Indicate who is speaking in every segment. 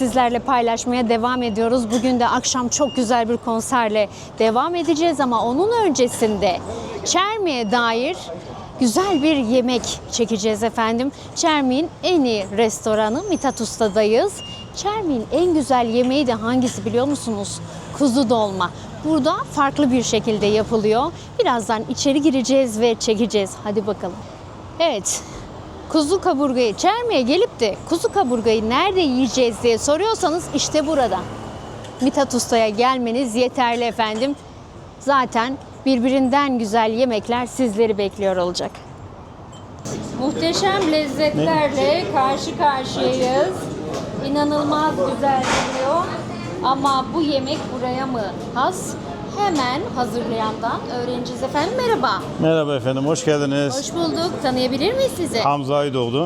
Speaker 1: sizlerle paylaşmaya devam ediyoruz. Bugün de akşam çok güzel bir konserle devam edeceğiz ama onun öncesinde Çermi'ye dair güzel bir yemek çekeceğiz efendim. Çermi'nin en iyi restoranı Mithat Usta'dayız. Çermi'nin en güzel yemeği de hangisi biliyor musunuz? Kuzu dolma. Burada farklı bir şekilde yapılıyor. Birazdan içeri gireceğiz ve çekeceğiz. Hadi bakalım. Evet. Kuzu kaburgayı Çermi'ye gelip de kuzu kaburgayı nerede yiyeceğiz diye soruyorsanız işte burada. Mithat Usta'ya gelmeniz yeterli efendim. Zaten birbirinden güzel yemekler sizleri bekliyor olacak. Muhteşem lezzetlerle karşı karşıyayız. İnanılmaz güzel geliyor. Ama bu yemek buraya mı has? Hemen hazırlayandan öğreneceğiz efendim. Merhaba.
Speaker 2: Merhaba efendim, hoş geldiniz.
Speaker 1: Hoş bulduk. Tanıyabilir miyiz sizi?
Speaker 2: Hamza Aydoğdu.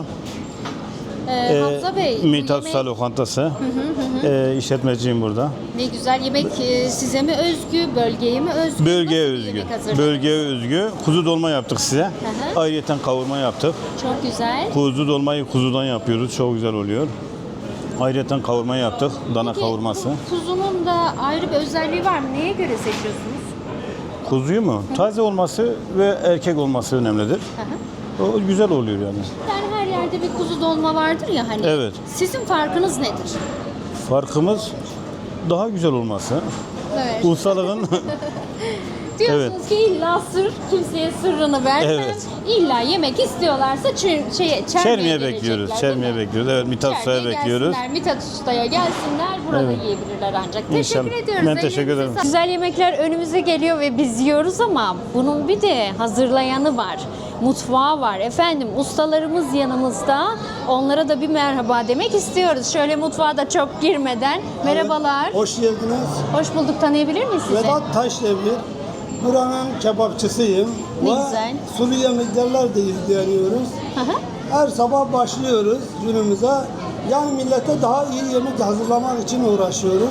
Speaker 1: Hamza Bey. bu
Speaker 2: Mithat
Speaker 1: yemek
Speaker 2: Usta Lokantası. İşletmeciyim burada.
Speaker 1: ne güzel yemek size mi özgü, bölgeye mi özgü?
Speaker 2: Bölgeye
Speaker 1: Nasıl bir
Speaker 2: özgü.
Speaker 1: yemek hazırladınız?
Speaker 2: Bölgeye özgü. Kuzu dolma yaptık size.
Speaker 1: hı.
Speaker 2: Ayrıyeten kavurma yaptık.
Speaker 1: Çok güzel.
Speaker 2: Kuzu dolmayı kuzudan yapıyoruz. Çok güzel oluyor. Ayrıyeten kavurma yaptık. Dana
Speaker 1: Peki,
Speaker 2: kavurması.
Speaker 1: bu kuzunun da ayrı bir özelliği var mı? Neye göre seçiyorsunuz?
Speaker 2: Kuzuyu mu? Taze olması ve erkek olması önemlidir.
Speaker 1: Hı hı.
Speaker 2: O güzel oluyor yani.
Speaker 1: Yani her yerde bir kuzu dolma vardır ya hani.
Speaker 2: Evet.
Speaker 1: Sizin farkınız nedir?
Speaker 2: Farkımız daha güzel olması.
Speaker 1: Evet.
Speaker 2: Ustalığın
Speaker 1: Diyorsunuz ki illa sır, kimseye sırrını vermem.
Speaker 2: Evet.
Speaker 1: İlla yemek istiyorlarsa Çermi'ye
Speaker 2: Çermi'ye bekliyoruz.
Speaker 1: gelecekler,
Speaker 2: Çermi'ye
Speaker 1: değil mi?
Speaker 2: bekliyoruz. Evet, Mithat Usta'ya
Speaker 1: Çermi'ye
Speaker 2: bekliyoruz.
Speaker 1: gelsinler, Mithat Usta'ya gelsinler, burada
Speaker 2: Evet.
Speaker 1: yiyebilirler ancak.
Speaker 2: İnşallah.
Speaker 1: Teşekkür ediyoruz.
Speaker 2: Ben teşekkür
Speaker 1: Ellerinize
Speaker 2: ederim.
Speaker 1: sağlık. Güzel yemekler önümüze geliyor ve biz yiyoruz ama bunun bir de hazırlayanı var. Mutfağı var. Efendim ustalarımız yanımızda. Onlara da bir merhaba demek istiyoruz. Şöyle mutfağa da çok girmeden. Merhabalar.
Speaker 3: Hoş geldiniz.
Speaker 1: Hoş bulduk. Tanıyabilir miyiz sizi?
Speaker 3: Vedat Taşdemir. Buranın kebapçısıyım.
Speaker 1: Ne
Speaker 3: Ve
Speaker 1: güzel.
Speaker 3: sulu yemeklerle de ilgileniyoruz.
Speaker 1: Hı hı.
Speaker 3: Her sabah başlıyoruz günümüze. Yani millete daha iyi yemek hazırlamak için uğraşıyoruz.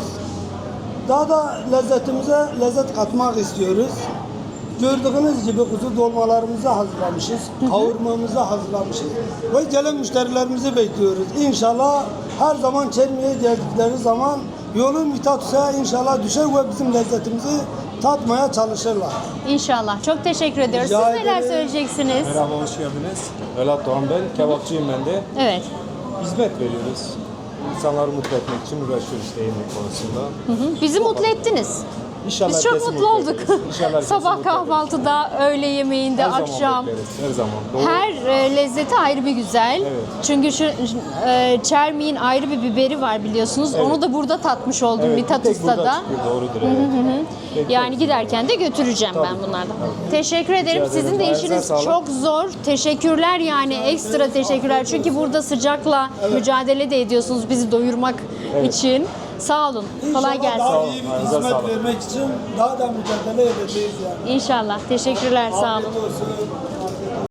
Speaker 3: Daha da lezzetimize lezzet katmak istiyoruz. Gördüğünüz gibi kuzu dolmalarımızı hazırlamışız. Kavurmamızı hazırlamışız. Ve gelen müşterilerimizi bekliyoruz. İnşallah her zaman Çermi'ye geldikleri zaman yolun Mithat Usta'ya inşallah düşer ve bizim lezzetimizi tatmaya çalışırlar.
Speaker 1: İnşallah. Çok teşekkür ediyoruz. Siz
Speaker 3: Rica
Speaker 1: neler
Speaker 3: ederim.
Speaker 1: söyleyeceksiniz?
Speaker 4: Merhaba, hoş geldiniz. Vedat Doğan ben, kebapçıyım ben de.
Speaker 1: Evet.
Speaker 4: Hizmet veriyoruz. İnsanları mutlu etmek için uğraşıyoruz işte yemek konusunda.
Speaker 1: Bizi mutlu ettiniz.
Speaker 4: İnşallah
Speaker 1: Biz çok
Speaker 4: herkesi
Speaker 1: mutlu olduk.
Speaker 4: ederiz. İnşallah herkesi
Speaker 1: Sabah
Speaker 4: mutlu ederiz.
Speaker 1: kahvaltıda, öğle yemeğinde,
Speaker 4: Her zaman
Speaker 1: akşam.
Speaker 4: bekleriz, her zaman. Doğru.
Speaker 1: Her lezzeti ayrı bir güzel.
Speaker 4: Evet.
Speaker 1: Çünkü şu Çermi'nin ayrı bir biberi var biliyorsunuz.
Speaker 4: Evet.
Speaker 1: Onu da burada tatmış oldum
Speaker 4: Evet,
Speaker 1: Mithat
Speaker 4: bir tek burada
Speaker 1: Usta'da.
Speaker 4: çıkıyor, doğrudur. Evet. Tek
Speaker 1: Yani
Speaker 4: tek.
Speaker 1: giderken de götüreceğim ben
Speaker 4: Tabii.
Speaker 1: bunlardan.
Speaker 4: Tabii.
Speaker 1: Teşekkür ederim.
Speaker 4: ederim.
Speaker 1: Sizin de
Speaker 4: Ayağınıza
Speaker 1: işiniz
Speaker 4: sağlık.
Speaker 1: çok zor. Teşekkürler yani ekstra teşekkürler. Çünkü burada sıcakla mücadele de ediyorsunuz bizi doyurmak için. Sağ olun. Kolay
Speaker 3: İnşallah
Speaker 1: gelsin.
Speaker 3: daha iyi bir
Speaker 4: Ayağınıza
Speaker 3: hizmet
Speaker 4: sağlık.
Speaker 3: vermek için daha da mücadele edeceğiz yani.
Speaker 1: İnşallah. Teşekkürler. Sağ olun.
Speaker 3: Afiyet olsun.